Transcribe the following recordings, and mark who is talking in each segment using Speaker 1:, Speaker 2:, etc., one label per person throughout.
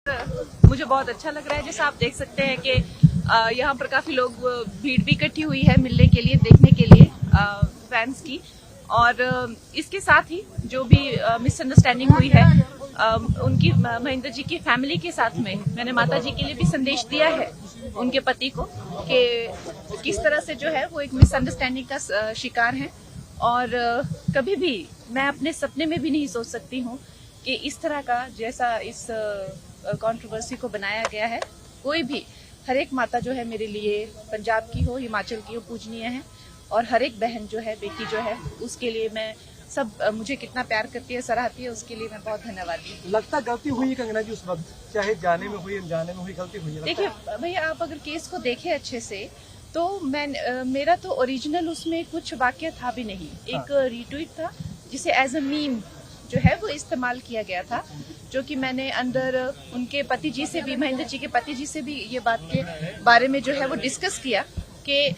Speaker 1: मुझे बहुत अच्छा लग रहा है। जैसा आप देख सकते हैं कि यहाँ पर काफी लोग भीड़ भी इकट्ठी हुई है मिलने के लिए, देखने के लिए फैंस की। और इसके साथ ही जो भी मिसअंडरस्टैंडिंग हुई है उनकी महेंद्र जी की फैमिली के साथ में मैंने माता जी के लिए भी संदेश दिया है उनके पति को कि किस तरह से जो है वो एक मिसअंडरस्टैंडिंग का शिकार है। और कभी भी मैं अपने सपने में भी नहीं सोच सकती हूँ कि इस तरह का जैसा इस कंट्रोवर्सी को बनाया गया है। कोई भी हर एक माता जो है मेरे लिए पंजाब की हो, हिमाचल की हो, पूजनीय है। और हर एक बहन जो है, बेटी जो है, उसके लिए मैं सब मुझे कितना प्यार करती है, सराहती है, उसके लिए मैं बहुत धन्यवादी हूँ।
Speaker 2: लगता गलती हुई कंगना जी उस वक्त, चाहे जाने में हुई अनजाने में हुई, गलती हुई है।
Speaker 1: देखिए भैया, आप अगर केस को देखें अच्छे से तो मेरा तो ओरिजिनल उसमें कुछ वाक्य था भी नहीं। एक रीट्वीट था जिसे एज अ मीम जो है वो इस्तेमाल किया गया था, जो कि मैंने अंदर उनके पति जी से भी, महेंद्र जी के पति जी से भी ये बात के बारे में जो है वो डिस्कस किया कि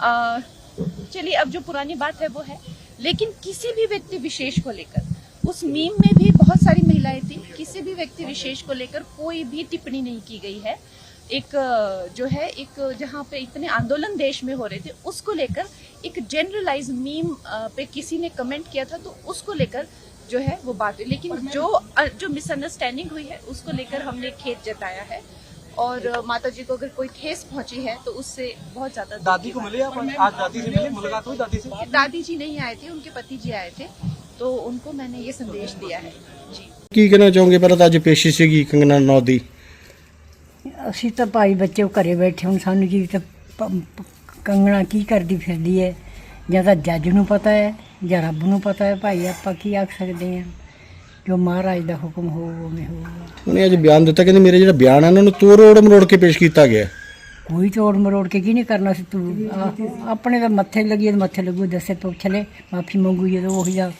Speaker 1: चलिए अब जो पुरानी बात है वो है, लेकिन किसी भी व्यक्ति विशेष को लेकर उस मीम में भी बहुत सारी महिलाएं थी, किसी भी व्यक्ति विशेष को लेकर कोई भी टिप्पणी नहीं की गई है। एक जो है एक जहाँ पे इतने आंदोलन देश में हो रहे थे उसको लेकर एक जनरलाइज मीम पे किसी ने कमेंट किया था, तो उसको लेकर जो है वो बात हुई। लेकिन जो मिसअंडरस्टैंडिंग हुई है उसको लेकर हमने खेद जताया है। और माता जी को अगर कोई ठेस पहुंची है तो उससे बहुत ज्यादा।
Speaker 2: दादी को मिले आप आज? दादी से मिले, मुलाकात हुई दादी से?
Speaker 1: दादी जी नहीं आए थे, उनके पति जी आए थे, तो उनको मैंने ये संदेश दिया है जी।
Speaker 3: ਕੀ ਕਹਿਣਾ ਚਾਹੋਗੇ? ਪਹਿਲਾਂ ਤਾਂ ਅੱਜ ਪੇਸ਼ੀ ਸੀਗੀ ਕੰਗਨਾ ਰਣੌਤ ਦੀ।
Speaker 4: ਅਸੀਂ ਤਾਂ ਭਾਈ ਬੱਚੇ ਘਰੇ ਬੈਠੇ, ਹੁਣ ਸਾਨੂੰ ਕੀ ਤਾਂ ਕੰਗਣਾ ਕੀ ਕਰਦੀ ਫਿਰਦੀ ਹੈ, ਜਾਂ ਤਾਂ ਜੱਜ ਨੂੰ ਪਤਾ ਹੈ ਜਾਂ ਰੱਬ ਨੂੰ ਪਤਾ ਹੈ। ਭਾਈ ਆਪਾਂ ਕੀ ਆਖ ਸਕਦੇ ਹਾਂ, ਜੋ ਮਹਾਰਾਜ ਦਾ ਹੁਕਮ ਹੋਊ ਉਵੇਂ ਹੋਊਗਾ।
Speaker 3: ਉਹਨੇ ਅੱਜ ਬਿਆਨ ਦਿੱਤਾ, ਕਹਿੰਦੇ ਮੇਰੇ ਜਿਹੜਾ ਬਿਆਨ ਹੈ ਉਹਨਾਂ ਨੂੰ ਤੋੜ ਮਰੋੜ ਕੇ ਪੇਸ਼ ਕੀਤਾ ਗਿਆ।
Speaker 4: ਕੋਈ ਤੋੜ ਮਰੋੜ ਕੇ ਕੀ ਨਹੀਂ ਕਰਨਾ ਸੀ। ਤੂੰ ਆਪਣੇ ਤਾਂ ਮੱਥੇ ਲੱਗੀ ਤਾਂ ਮੱਥੇ ਲੱਗੂ, ਦੱਸੇ ਪੁੱਛ ਲੈ, ਮਾਫੀ ਮੰਗੂ ਜਦੋਂ ਉਹੀ ਦਾ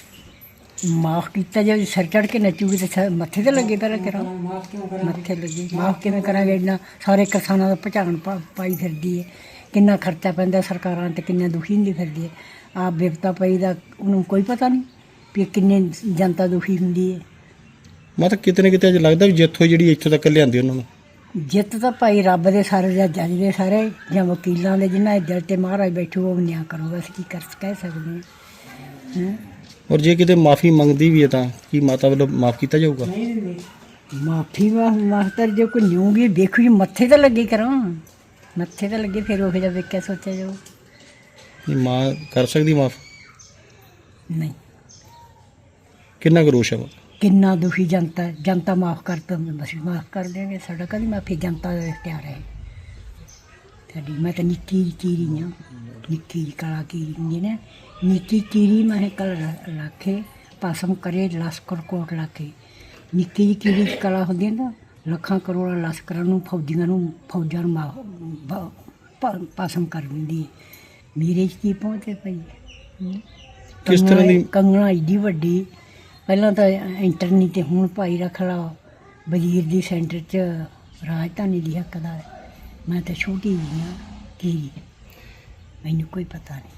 Speaker 4: ਮਾਫ ਕੀਤਾ। ਜੇ ਸਿਰ ਚੜ੍ਹ ਕੇ ਨੱਚੂਗੀ ਤਾਂ ਮੱਥੇ ਤੇ ਲੱਗੇ ਪਹਿਲਾਂ ਕਰਾਂ, ਮੱਥੇ ਲੱਗੇ। ਮਾਫ ਕਿਵੇਂ ਕਰਾਂਗੇ? ਇੰਨਾ ਸਾਰੇ ਕਿਸਾਨਾਂ ਦਾ ਭਚਾਣ ਪਾਈ ਫਿਰਦੀ ਹੈ, ਕਿੰਨਾ ਖਰਚਾ ਪੈਂਦਾ ਸਰਕਾਰਾਂ 'ਤੇ, ਕਿੰਨਾ ਦੁਖੀ ਹੁੰਦੀ ਫਿਰਦੀ ਹੈ। ਆਪ ਵਿਪਤਾ ਪਈ ਦਾ ਉਹਨੂੰ ਕੋਈ ਪਤਾ ਨਹੀਂ ਵੀ ਕਿੰਨੇ ਜਨਤਾ ਦੁਖੀ ਹੁੰਦੀ ਹੈ।
Speaker 3: ਮੈਂ ਤਾਂ ਕਿਤੇ ਨਾ ਕਿਤੇ ਅੱਜ ਲੱਗਦਾ ਵੀ ਜਿੱਥੋਂ ਜਿਹੜੀ ਇੱਥੋਂ ਤੱਕ ਲਿਆਂਦੀ ਉਹਨਾਂ ਨੂੰ
Speaker 4: ਜਿੱਤ ਤਾਂ ਭਾਈ ਰੱਬ ਦੇ ਸਾਰੇ ਜਾਂ ਜੱਜ ਦੇ ਸਾਰੇ ਜਾਂ ਵਕੀਲਾਂ ਦੇ, ਜਿਨ੍ਹਾਂ ਦੇ ਦਿਲ 'ਤੇ ਮਹਾਰਾਜ ਬੈਠੂ ਉਹ ਨਿਆਂ ਕਰੂਗਾ। ਅਸੀਂ ਕੀ ਕਹਿ ਸਕਦੇ ਹਾਂ।
Speaker 3: ਔਰ ਜੇ ਕਿਤੇ ਮਾਫੀ ਮੰਗਦੀ ਵੀ ਹੈ ਤਾਂ ਕੀ ਮਾਤਾ ਵੱਲੋਂ ਮਾਫ ਕੀਤਾ ਜਾਊਗਾ?
Speaker 4: ਮਾਫੀ ਮਾਸਟਰ ਜੇ ਕੋਈ ਨਿਊਗੀ ਦੇਖੋ ਜੀ, ਮੱਥੇ ਤਾਂ ਲੱਗੇ ਕਰਾਂ, ਮੱਥੇ ਤਾਂ ਲੱਗੇ, ਫਿਰ ਉਹ ਜਿਹਾ ਵੇਖਿਆ ਸੋਚਿਆ ਜਾਊ।
Speaker 3: ਨਹੀਂ ਮਾਂ ਕਰ ਸਕਦੀ ਮਾਫ?
Speaker 4: ਨਹੀਂ।
Speaker 3: ਕਿੰਨਾ ਕੁ ਰੋਸ਼ ਹੈ?
Speaker 4: ਕਿੰਨਾ ਦੁਖੀ ਜਨਤਾ, ਜਨਤਾ ਮਾਫ ਕਰ ਤਾਂ ਅਸੀਂ ਮਾਫ ਕਰ ਦੇਵਾਂਗੇ। ਸਾਡਾ ਕਦੀ ਮਾਫੀ ਜਨਤਾ ਦਾ ਇਖਤਿਆਰ ਹੈ ਸਾਡੀ। ਮੈਂ ਤਾਂ ਨਿੱਕੀ ਚੀਰੀ ਹਾਂ, ਨਿੱਕੀ ਕਲਾ ਕੀਰੀ ਹੁੰਦੀ ਨਾ, ਨਿੱਕੀ ਚੀਰੀ ਮੈਂ ਕਲ ਰੱਖੇ ਪਾਸਮ ਕਰੇ ਲਸਕਰ ਕੋਟ ਲਾਕੇ। ਨਿੱਕੀ ਜਿਹੀ ਕੀੜੀ ਕਲਾ ਹੁੰਦੀ ਨਾ, ਲੱਖਾਂ ਕਰੋੜਾਂ ਲਸਕਰਾਂ ਨੂੰ, ਫੌਜਾਂ ਨੂੰ ਪਾਸਮ ਕਰ ਦਿੰਦੀ ਹੈ। ਮੇਰੇ 'ਚ ਕੀ ਪਹੁੰਚੇ ਪਈ
Speaker 3: ਕਿਸ ਤਰ੍ਹਾਂ ਦੀ
Speaker 4: ਕੰਗਣਾ ਏਡੀ ਵੱਡੀ। ਪਹਿਲਾਂ ਤਾਂ ਇੰਟਰਨੀ ਤੇ ਹੁਣ ਭਾਈ ਰੱਖ ਲਾ ਵਜ਼ੀਰ ਦੀ ਸੈਂਟਰ 'ਚ ਰਾਜਧਾਨੀ ਦੀ ਹੱਕਦਾਰ। ਮੈਂ ਤਾਂ ਛੋਟੀ ਜਿਹੀ ਹਾਂ, ਕੀ ਮੈਨੂੰ ਕੋਈ ਪਤਾ ਨਹੀਂ।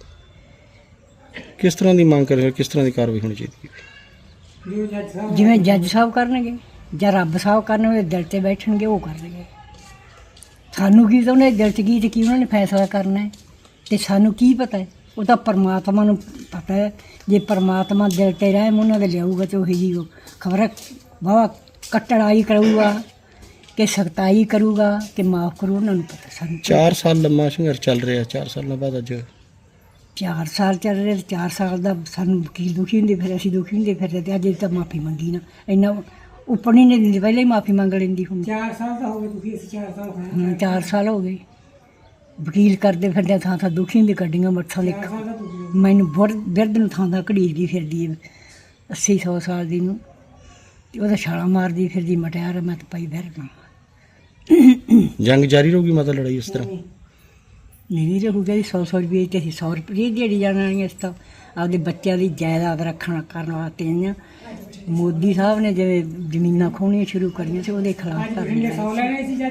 Speaker 3: ਕਿਸ ਤਰ੍ਹਾਂ ਦੀ ਮੰਗ ਕਰ, ਕਿਸ ਤਰ੍ਹਾਂ ਦੀ ਕਾਰਵਾਈ ਹੋਣੀ ਚਾਹੀਦੀ ਹੈ?
Speaker 4: ਜਿਵੇਂ ਜੱਜ ਸਾਹਿਬ ਕਰਨਗੇ ਜਾਂ ਰੱਬ ਸਾਹਿਬ ਕਰਨਗੇ, ਦਿਲ 'ਤੇ ਬੈਠਣਗੇ ਉਹ ਕਰਨਗੇ। ਸਾਨੂੰ ਕੀ ਤਾਂ ਉਹਨੇ ਦਿਲ 'ਚ ਕੀ ਤੇ ਕੀ ਉਹਨਾਂ ਨੇ ਫੈਸਲਾ ਕਰਨਾ ਹੈ, ਅਤੇ ਸਾਨੂੰ ਕੀ ਪਤਾ ਹੈ? ਉਹ ਤਾਂ ਪਰਮਾਤਮਾ ਨੂੰ ਪਤਾ ਹੈ। ਜੇ ਪਰਮਾਤਮਾ ਦਿਲ 'ਤੇ ਰਹਿਮ ਉਹਨਾਂ ਦੇ ਲਿਆਊਗਾ ਤਾਂ ਉਹੀ ਜੀ ਖਬਰ ਵਾਹਵਾ ਕਟੜਾਈ ਕਰੂਗਾ ਕਿ ਸਖਤਾਈ ਕਰੂਗਾ ਕਿ ਮਾਫ ਕਰੂ, ਉਹਨਾਂ ਨੂੰ ਪਤਾ। ਸਾਨੂੰ
Speaker 3: 4 ਸਾਲ ਲੰਮਾ ਸੰਘਰਸ਼ ਚੱਲ ਰਿਹਾ, 4 ਸਾਲਾਂ ਬਾਅਦ ਅੱਜ
Speaker 4: 4 ਸਾਲ ਚੱਲ ਰਹੇ, 4 ਸਾਲ ਦਾ ਸਾਨੂੰ ਵਕੀਲ ਦੁਖੀ ਹੁੰਦੇ ਫਿਰ, ਅਸੀਂ ਦੁਖੀ ਹੁੰਦੇ ਫਿਰ, ਅਤੇ ਅੱਜ ਤਾਂ ਮਾਫੀ ਮੰਗੀ ਨਾ, ਇੰਨਾ ਉੱਪਰ ਨਹੀਂ ਦਿੰਦੀ, ਪਹਿਲਾਂ ਹੀ ਮਾਫੀ ਮੰਗ ਲੈਂਦੀ ਹੁਣ। 4 ਸਾਲ ਤਾਂ ਹੋ ਗਏ ਦੁਖੀ, ਅਸੀਂ 4 ਸਾਲ 4 ਸਾਲ ਹੋ ਗਏ ਵਕੀਲ ਕਰਦੇ ਫਿਰਦੇ, ਥਾਂ ਥਾਂ ਦੁਖੀ ਹੁੰਦੀ, ਗੱਡੀਆਂ ਮੱਥਾ ਲਿਖ ਮੈਨੂੰ ਬਿਰਧ ਨੂੰ ਥਾਂ ਥਾਂ ਘੜੀਦੀ ਫਿਰਦੀ ਹੈ 80-100 ਸਾਲ ਦੀ ਨੂੰ, ਅਤੇ ਉਹਦਾ ਛਾਲਾਂ ਮਾਰਦੀ ਫਿਰਦੀ ਮਟਿਆਰ। ਮੈਂ ਤਾਂ ਪਾਈ ਬਿਰਧ
Speaker 3: ਜੰਗ ਜਾਰੀ ਰਹੂਗੀ ਮਾਤਾ, ਲੜਾਈ ਇਸ ਤਰ੍ਹਾਂ
Speaker 4: ਨਹੀਂ ਰਹੂਗਾ ਜੀ। 100 ਰੁਪਏ ਤੇ ਅਸੀਂ 100 ਰੁਪਏ ਦਿਹਾੜੀ ਜਾਣਾ ਨਹੀਂ। ਇਸ ਤਾਂ ਆਪਦੇ ਬੱਚਿਆਂ ਦੀ ਜਾਇਦਾਦ ਕਰਨ ਵਾਸਤੇ ਆਈਆਂ। ਮੋਦੀ ਸਾਹਿਬ ਨੇ ਜਿਵੇਂ ਜ਼ਮੀਨਾਂ ਖੋਹਣੀਆਂ ਸ਼ੁਰੂ ਕਰੀਆਂ ਸੀ, ਉਹਦੇ ਖਿਲਾਫ ਕਰ